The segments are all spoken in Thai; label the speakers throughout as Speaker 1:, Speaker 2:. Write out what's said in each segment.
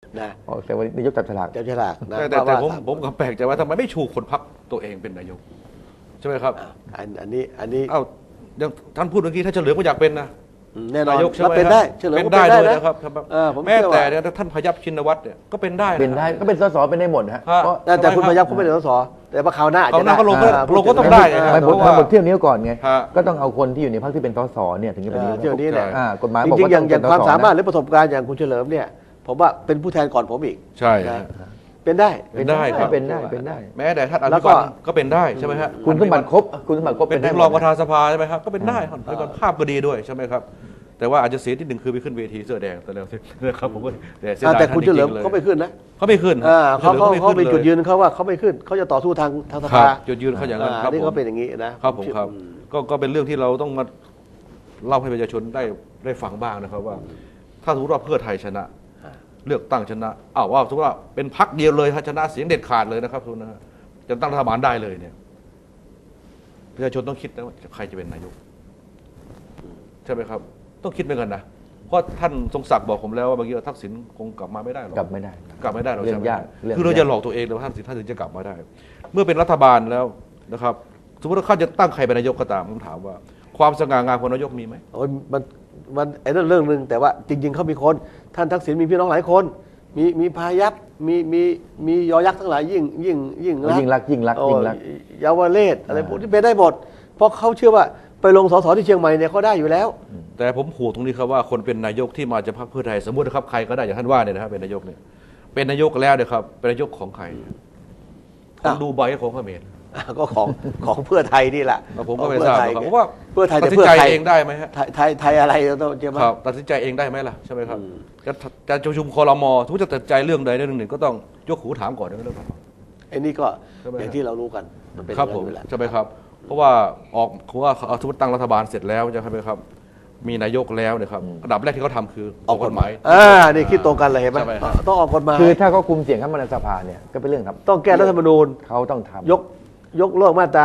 Speaker 1: นะ
Speaker 2: แต่วันนี้นายกจับฉลาก
Speaker 1: นะ
Speaker 3: แต่ผมก็แปลกใจว่าทำไมไม่ชูคนพรรคตัวเองเป็นนายกใช่ไหมครับ
Speaker 1: อันนี้
Speaker 3: อ้าวยังท่านพูดเมื่อกี้ถ้าเฉลิมก็อยากเป็นนะ
Speaker 1: แน่นอน
Speaker 3: นายกใช่ไหม
Speaker 1: เป็นได้เฉลิม
Speaker 3: เป็น
Speaker 1: ก็
Speaker 3: ได้
Speaker 1: เป็น
Speaker 3: เล
Speaker 1: ได้
Speaker 3: ย
Speaker 1: นะ
Speaker 3: นะครับ
Speaker 1: ผม
Speaker 3: แม้
Speaker 1: เชื่อ
Speaker 3: แต่
Speaker 1: ว่า
Speaker 3: เนี่ยท่านพยัพชินวัตรเนี่ยก็เป็นได้
Speaker 2: เป็นได้ก็เป็นสสเป็นได้หมดฮะ
Speaker 3: ฮะ
Speaker 2: เพราะ
Speaker 1: แต่คุณพยัพเขาไม่ได้สสแต่ว่าคราวหน้าอาจ
Speaker 3: เขา
Speaker 1: จะ
Speaker 3: หน้า
Speaker 1: ได้
Speaker 3: ก็ลงก็
Speaker 1: พู
Speaker 3: ลงก็ต้อง
Speaker 1: ถึ
Speaker 3: ได้ไง
Speaker 2: ไม่
Speaker 3: เพ
Speaker 2: ผม
Speaker 3: ราะว่า
Speaker 2: บทเที่ยวนี้ก่อนไง
Speaker 3: ฮะ
Speaker 2: ก็ต้องเอาคนที่อยู่ในพรรคที่เป็นสสเนี่ยถึงจะเป็นนายก
Speaker 1: เที่ยวนี้เนี่ย
Speaker 2: กฎหมาย
Speaker 1: จ
Speaker 2: บอก
Speaker 1: ริง
Speaker 2: ว่า
Speaker 1: ๆอย่าง
Speaker 2: ต้อง
Speaker 1: ความ
Speaker 2: เป็นสส
Speaker 1: สามารถห
Speaker 2: นะ
Speaker 1: รือประสบการณ์อย่างคุณเฉลิมเนี่ยผมว่าเป็นผู้แทนก่อนผมอีก
Speaker 3: ใช่
Speaker 1: นะเป็นได้
Speaker 3: เป็นได้ครับ
Speaker 2: เป็นได้
Speaker 3: แม้แต่ท่านอ
Speaker 1: แล้
Speaker 3: ภิ
Speaker 1: วก็
Speaker 3: วันก็เป็นได้ใช่ไหมฮะ
Speaker 2: คุณสมบัติครบ
Speaker 3: เป็น
Speaker 2: ได้
Speaker 3: ถึง
Speaker 2: หม
Speaker 3: รอ
Speaker 2: ด
Speaker 3: งประธานสภาใช่ไหมครับก็เป็นได้ครับแล้วก็ภาพก็ดีด้วยใช่ไหมครับแต่ว่าอาจจะเสียที่หนึ่งคือไปขึ้นเวทีเสื้อแดงแต่แล้วนะครับผมก็แต่เสียดาย
Speaker 1: แต่คุณเฉลิม
Speaker 3: ท่านจริงๆ
Speaker 1: เขาไม่ขึ้นนะ
Speaker 3: เขาไม่ขึ้น
Speaker 1: เขา
Speaker 3: ฉลิม
Speaker 1: เป็นจุดยื
Speaker 3: น
Speaker 1: นเขาว่าเขาไม่ขึ้นเขาจะต่อสู้ทางส
Speaker 3: ครั
Speaker 1: ภา
Speaker 3: บจุดยืนเขาอย่างนั้นครับ
Speaker 1: นี่
Speaker 3: ผม
Speaker 1: เขาเป็นอย่างนี้นะครับ
Speaker 3: ผมครับก็เป็นเรื่องที่เราต้องมาเล่าให้ประชาชนได้ฟังบ้างนะครับว่า ถ้าสมมติว่าเพื่อไทยชนะ เลือกตั้งชนะว่าสมมติว่าเป็นพรรคเดียวเลยถ้าชนะเสียงเด็ดขาดเลยนะครับทุนนะฮะจะตั้งรัฐบาลได้เลยเนี่ยประชาชนต้องคิดนะว่าใครจะเป็นนายกใช่ไหมครับ ต้องคิดเหมือนกันนะเพราะท่านทรงศักดิ์บอกผมแล้วว่าบางทีทักษิณคงกลับมาไม่ได้หรอก
Speaker 2: กลับไม่ได้
Speaker 3: กลับไม่ได้หรอก
Speaker 2: เรื่
Speaker 3: ใช่
Speaker 2: อง
Speaker 3: ไหม
Speaker 2: ยากเรื่อง
Speaker 3: คือเรา
Speaker 2: ยาก
Speaker 3: จะหลอกตัวเองเลยว่าท่านถึงจะกลับมาได้ เมื่อเป็นรัฐบาลแล้วนะครับ สมมติว่าเขาจะตั้งใครเป็นนายกก็ตามผมถามว่า ความสง่างามของนายกมีไหม
Speaker 1: โอ้ยมันไอ้นั่นเรื่องหนึ่งแต่ว่าจริง ๆเขามีคนท่านทักษิณมีพี่น้องหลายคนมีพายัพมียอยักษ์ทั้งหลายยิ่ง
Speaker 2: ยิ่งรัก
Speaker 1: โอ้เยาวเลศอะไรพวกนี้เป็นได้หมดเพราะเขาเชื่อว่าไปลงสสที่เชียงใหม่เนี่ยเขาได้อยู่แล้ว
Speaker 3: แต่ผมห่วงตรงนี้ครับว่าคนเป็นนายกที่มาจากพรรคเพื่อไทยสมมตินะครับใครก็ได้อย่างท่านว่าเนี่ยนะครับเป็นนายกเนี่ยเป็นนายกแล้วเนี่ยครับเป็นนายกของใครของดูไบของเขมร
Speaker 1: ก็ของเพื่อไทยนี่แหละ
Speaker 3: ผมก็ไม่ทราบนะครับเพราะว่า
Speaker 1: เพื่อไทย
Speaker 3: ตั
Speaker 1: แต่
Speaker 3: ดสิน
Speaker 1: เพื่อ
Speaker 3: ใจ
Speaker 1: ไทย
Speaker 3: เองได้ไหมฮะ
Speaker 1: ไทยอะไรเราต้องเจอมา
Speaker 3: ครับตัดสินใจเองได้ไหมล่ะใช่ไหมครับจะประชุมครมสมมติจะตัดสินใจเรื่องใดเรื่องหนึ่งก็ต้องยกหูถามก่อนนะเรื่องนั้น
Speaker 1: ไอ้นี่ก็
Speaker 3: ใช่ไหม
Speaker 1: อย่างที่เรารู้กันมันเป็นอ
Speaker 3: ครับ
Speaker 1: ย่าง
Speaker 3: ผ
Speaker 1: นั้
Speaker 3: ม
Speaker 1: นอยู่แล้ว
Speaker 3: ใช่ไหมครับ เพราะว่าเพราะว่าสมมติตั้งรัฐบาลเสร็จแล้วใช่ไหมครับ มีนายกแล้วเนี่ยครับอันดับแรกที่เขาทำคือออกกฎหมาย
Speaker 1: นี่คิดตรงกันเลยเห็นไหม
Speaker 3: ใช่ไหมครับ
Speaker 1: ต้องออกกฎหมาย
Speaker 2: คือถ้าเขาคุมเสียงเข้ามาในสภาเนี่ยก็เป็นเรื่องครับ
Speaker 1: ต้องแก้รัฐธรรมนูญ
Speaker 2: เขาต้องทำ
Speaker 1: ยกเลิกมาตรา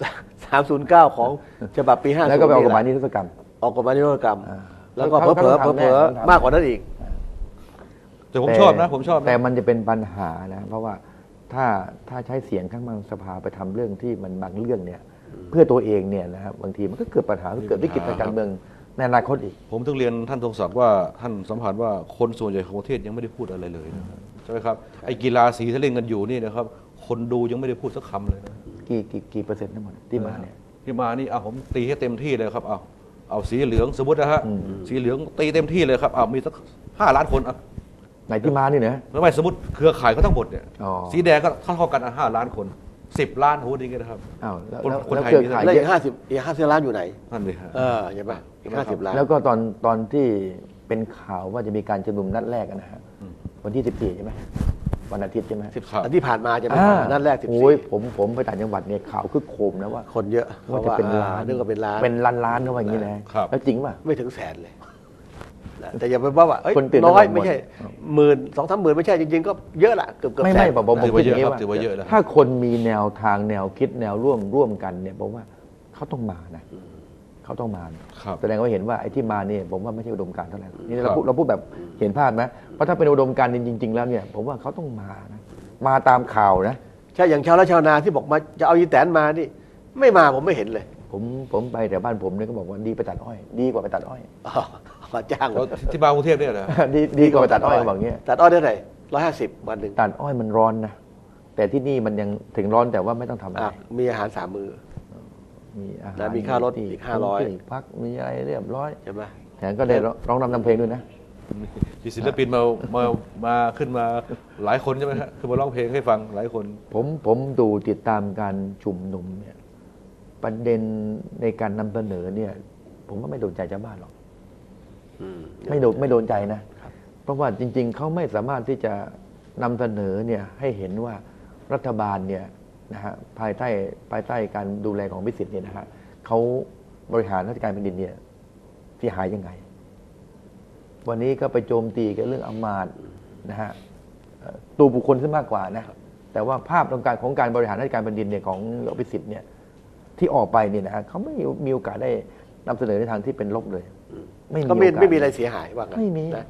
Speaker 1: 309ของฉบับปี50
Speaker 2: แล้วก็ไปออกกฎหมายนิรโทษกรรม
Speaker 1: ออกกฎหมายนิรโทษกรรม แล้วก็
Speaker 2: เขา
Speaker 1: เผลอ
Speaker 2: ต้องทำแน่
Speaker 1: มากกว่านั้นอีก
Speaker 3: แต่ผมชอบนะผมชอบนะ
Speaker 2: แต่มันจะเป็นปัญหานะเพราะว่าถ้าใช้เสียงข้างมากสภาไปทำเรื่องที่มันบางเรื่องเนี่ยเพื่อตัวเองเนี่ยนะครับบางทีมันก็เกิดปัญหาเกิดวิกฤตทางการเมืองในอนาคตอีก
Speaker 3: ผมถึงเรียนท่านทรงศักดิ์ว่าท่านสัมผัสว่าคนส่วนใหญ่ของประเทศยังไม่ได้พูดอะไรเลยนะครับใช่ไหมครับไอ้กีฬาสีที่เล่นกันอยู่นี่นะครับคนดูยังไม่ได้พูดสักคำเลยนะ
Speaker 2: กี่เปอร์เซ็นต์ทั้งหมดที่มาเนี่ย
Speaker 3: ที่มานี่ผมตีให้เต็มที่เลยครับเอาสีเหลืองสมมตินะฮะสีเหลืองตีเต็มที่เลยครับมีสัก5 ล้านคน
Speaker 2: ไหนที่มานี่นะ
Speaker 3: ไม่สมมติเครือข่ายเขาทั้งหมดเนี่ย
Speaker 2: อ๋อ
Speaker 3: สีแดงก็เท่ากัน5 ล้านคน10 ล้านโหดีกันนะครับ
Speaker 2: อ้าวแล้ว
Speaker 3: คน
Speaker 2: แล้ว
Speaker 3: ไทย
Speaker 2: เครือ
Speaker 3: มี
Speaker 2: ข่าย
Speaker 1: แล้ว
Speaker 2: เย
Speaker 1: อี
Speaker 2: อะ
Speaker 1: ก50ล้านอยู่ไหน
Speaker 3: นั่นเลยฮะ
Speaker 1: ใช่ไหมอีก50ล้าน
Speaker 2: แล้วก็ตอนที่เป็นข่าวว่าจะมีการชุมนุมนัดแรกนะฮะวันที่14ใช่ไหมวันอาทิตย์ใช่ไหม
Speaker 3: ครับ
Speaker 1: อันที่ผ่านมาจะเป็นนัดแรก
Speaker 2: โอ้ย
Speaker 1: 14
Speaker 2: ผมไปต่างจังหวัดเนี่ยข่าวคึกโครมนะว่า
Speaker 1: คนเยอะ
Speaker 2: ว่าจะเป็นล้าน
Speaker 1: นึกว่าเป็นล้าน
Speaker 2: เป็นล้านเขาว่าอย่างนี้นะครับ แล้วจริงป่ะ
Speaker 1: ไม่ถึงแสนเลยนะแต่อย่าไปว่าเอ้ย
Speaker 2: คนตื่น
Speaker 1: น้อย
Speaker 2: ตระหนก
Speaker 1: ไม่ใช่10,000-20,000ไม่ใช่จริงๆก็เยอะละเกือบแสน
Speaker 2: ไม่ผม
Speaker 3: ถือว่า
Speaker 2: คิด
Speaker 3: เย
Speaker 2: อย่าง
Speaker 3: อะ
Speaker 2: นี้
Speaker 3: ครับ
Speaker 2: ว่า
Speaker 3: ถือว่าเยอะแล้ว
Speaker 2: ถ้าคนมีแนวทางแนวคิดแนวร่วมกันเนี่ยผมว่าเขาต้องมานะเขาต้องมานะครับ แสดงว่าเห็นว่าไอ้ที่มาเนี่ยผมว่าไม่ใช่อุดมการณ์เท่าไหร่นี่
Speaker 3: ครั
Speaker 2: เรา
Speaker 3: บ
Speaker 2: พูดแบบเห็นภาพไหมเพราะถ้าเป็นอุดมการณ์จริง ๆ แล้วเนี่ยผมว่าเขาต้องมานะมาตามข่าวนะ
Speaker 1: ใช่อย่างชาวไร่ชาวนาที่บอกมาจะเอาอีแตนมานี่ไม่มาผมไม่เห็นเลย
Speaker 2: ผมไปแต่บ้านผมเนี่ยก็บอกว่าดีไปตัดอ้อย ดีกว่าไปตัดอ้อย
Speaker 1: มาจ้าง
Speaker 3: ที่มากรุงเทพเนี่ยนะ
Speaker 2: ดีกว่าไปตัดอ้อยบอกเงี้ย
Speaker 1: ตัดอ้อยได้ไหน150วันหนึ่ง
Speaker 2: ตัดอ้อยมันร้อนนะแต่ที่นี่มันยังถึงร้อนแต่ว่าไม่ต้องทำอะไร
Speaker 1: มีอาหาร3 มื้อ
Speaker 2: มีอาหาร
Speaker 1: แล้วมีค่ารถอีก500
Speaker 2: ที่พักมีอะไรเรียบร้อย
Speaker 1: ใช่ไหม
Speaker 2: แถมก็ได้ร้องนำเพลงด้วยนะ
Speaker 3: มีศิลปินมาขึ้นมาหลายคนใช่ไหมฮะคือมาร้องเพลงให้ฟังหลายคน
Speaker 2: ผมดูติดตามการชุมนุมเนี่ยประเด็นในการนำเสนอเนี่ย ผมว่าไม่โดนใจชาวบ้านหรอกไม่โดนใจนะ เพราะว่าจริง ๆเขาไม่สามารถที่จะนำเสนอเนี่ยให้เห็นว่ารัฐบาลเนี่ยนะฮะภายใต้การดูแลของพิสิทธิ์เนี่ยนะฮะเขาบริหารราชการแผ่นดินเนี่ยเสียหายยังไง วันนี้ก็ไปโจมตีกันเรื่องอำมาตย์นะฮะตัวบุคคลซะมากกว่านะแต่ว่าภาพของการบริหารราชการแผ่นดินเนี่ยของอภิสิทธิ์เนี่ยที่ออกไปเนี่ยนะฮะเขาไม่มีโอกาสได้นำเสนอในทางที่เป็นลบเลย
Speaker 1: ก็ไม่มีอะไรเสียหายว่างั้น
Speaker 2: ไม่มี
Speaker 1: นะ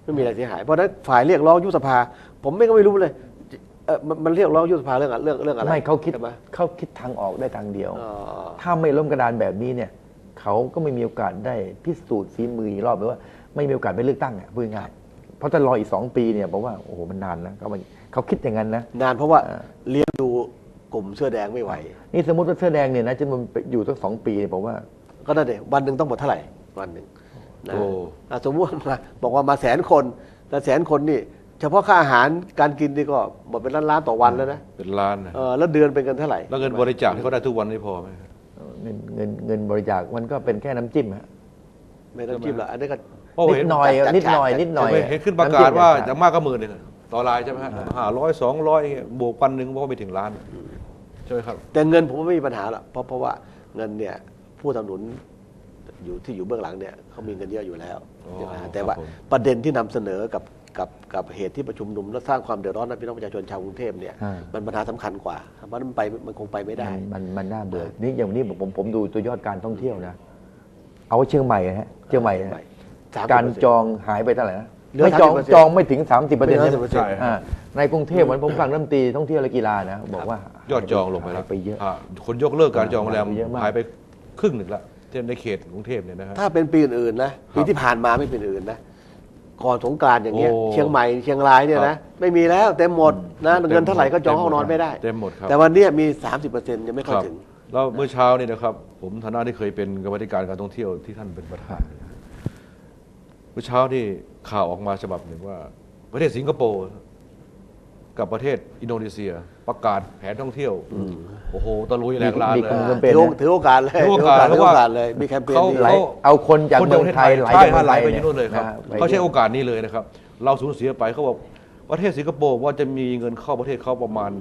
Speaker 1: ไม่มีอะไรเสียหายเพราะฉะนั้นฝ่ายเรียกร้องยุบสภาผมก็ไม่รู้เลยมันเรียกร้องยุบสภาเรื่องอะไร
Speaker 2: ไม่เขาคิด
Speaker 1: ใช่ไหม
Speaker 2: ทางออกได้ทางเดียว
Speaker 1: อ๋อ
Speaker 2: ถ้าไม่ล้มกระดานแบบนี้เนี่ยเขาก็ไม่มีโอกาสได้พิสูจน์ฝีมืออีกรอบหรือว่าไม่มีโอกาสไปเลือกตั้งอ่ะพูดง่ายๆเพราะถ้ารออีก2 ปีเนี่ยผมว่าโอ้โหมันนานนะเขาคิดอย่างนั้นนะ
Speaker 1: นานเพราะว่าเลี้ยงดูกลุ่มเสื้อแดงไม่ไหว
Speaker 2: นี่สมมติว่าเสื้อแดงเนี่ยนะจะมันอยู่ตั้ง2 ปีเนี่ยผมว่า
Speaker 1: ก็นั่นเองวันหนึ่งต้องหมดเท่าไหร่วันหนึ่งนะ
Speaker 3: โอ้
Speaker 1: สมมติว่าบอกว่ามา100,000 คนแต่100,000 คนนี่เฉพาะค่าอาหารการกินนี่ก็หมดเป็นล้านๆต่อวันแล้วนะ
Speaker 3: เป็นล้านนะ
Speaker 1: แล้วเดือนเป็นกันเท่าไหร่
Speaker 3: แล้วเงินบริจาคที่เขาได้ทุกวันนี้พอไหม
Speaker 2: เงินบริจาคมันก็เป็นแค่น้ำจิ้มฮะ
Speaker 1: ไม่ต้องจิ้มหรอกอันนี้ก็
Speaker 3: เพราะ
Speaker 2: นิ
Speaker 3: เห็
Speaker 2: ด
Speaker 3: น
Speaker 2: หน่อยนิดหน่อยนิดหน่อย
Speaker 3: เห็นขึ้นประกาศว่าจะมากก็10,000ต่อรายใช่ไหมฮะ500 200บวก1,000เพราะว่าไม่ถึงล้านใช่ไหมครับ
Speaker 1: แต่เงินผมว่าไม่มีปัญหาหรอกเพราะว่าเงินเนี่ยผู้สนับสนุนอยู่เบื้องหลังเนี่ยเขามีเงินเยอะอยู่แล้ว
Speaker 3: อ๋อ
Speaker 1: ใช่ไหมฮะแต่ว่า
Speaker 3: ครับผม
Speaker 1: ประเด็นที่นำเสนอกับเหตุที่ประชุมนุมและสร้างความเดือดร้อนให้พี่น้องประชาชนชาวกรุงเทพเนี่ย
Speaker 2: อ่า
Speaker 1: มันปัญหาสำคัญกว่าเพราะมันคงไปไม่ได้
Speaker 2: มันน่าเบื่อนี่อย่างนี้ผมดูตัวยอดการท่องเที่ยวนะเอาเชียงใหม่นะฮะเชียงใหม่นะ
Speaker 1: 30%
Speaker 2: การจองหายไปเท่าไหร่นะ
Speaker 1: เหลือ
Speaker 2: ไม่จอง
Speaker 1: 30%
Speaker 2: จองไม่ถึง 30%ใช่ไหม
Speaker 1: 30%
Speaker 3: ใช่ครับ
Speaker 2: ในกรุงเทพเหมือนผมฟังรัฐมนตรีท่องเที่ยวและกีฬานะบอกว่าย
Speaker 3: อดจองลงไปแล้ว
Speaker 2: หายไปเยอะ
Speaker 3: คนยกเลิกการจองโรงแรม
Speaker 2: หายไปเยอะมาก
Speaker 3: หายไปครึ่งหนึ่งละในเขตกรุงเทพเนี่ยนะฮะ
Speaker 1: ถ้าเป็นปีอื่นๆนะปีที่ผ่านมาไม่เป็นอื่นนะก่อนสงกรานต์อย่างเงี้ย
Speaker 3: โอ้
Speaker 1: เชียงใหม่เชียงรายเนี่ยนะไม่มีแล้วเต็มหมดนะเงินเท่าไหร่ก็จองห้องนอนไม่ได้
Speaker 3: เต็มหมดครับ
Speaker 1: แต่วันเนี้ยมี 30%ยังไม่ค่อย
Speaker 3: ครับ
Speaker 1: ถึง
Speaker 3: แล้วเมื่อเช้านี่นะครับ ผมฐานะที่เคยเป็นกรรมาธิการการท่องเที่ยวที่ท่านเป็นประธานเนี่ยเมื่อเช้านี่ข่าวออกมาฉบับหนึ่งว่า ประเทศสิงคโปร์กับประเทศอินโดนีเซีย ประกาศแผนท่องเที่ยวโอ้โหตะลุยแหลกลาน
Speaker 2: มี
Speaker 3: เลย
Speaker 2: คน
Speaker 3: นะ
Speaker 2: เป็น
Speaker 1: ถือโอกาสเลย
Speaker 3: ถือโอกาส
Speaker 1: ถือโอกาสเลยมีแคมเปญนี้
Speaker 2: ไหลเอาคนจากเมืองไทยไหล
Speaker 3: ใช่
Speaker 2: จากเมือง
Speaker 3: ไหล
Speaker 2: ไทย
Speaker 3: ไปที่นู่นเลยครับ
Speaker 2: ไป
Speaker 3: เขาใช้โอกาสนี้เลยนะครับ เราสูญเสียไปเขาบอกประเทศสิงคโปร์ว่าจะมีเงินเข้าประเทศเขาประมาณ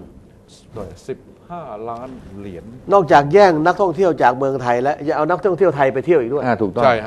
Speaker 3: 15 ล้านเหรียญ
Speaker 1: นอกจากแย่งนักท่องเที่ยวจากเมืองไทยแล้วยังเอานักท่องเที่ยวไทยไปเที่ยวอีกด้วย
Speaker 2: ถูกต้อง
Speaker 3: ใช่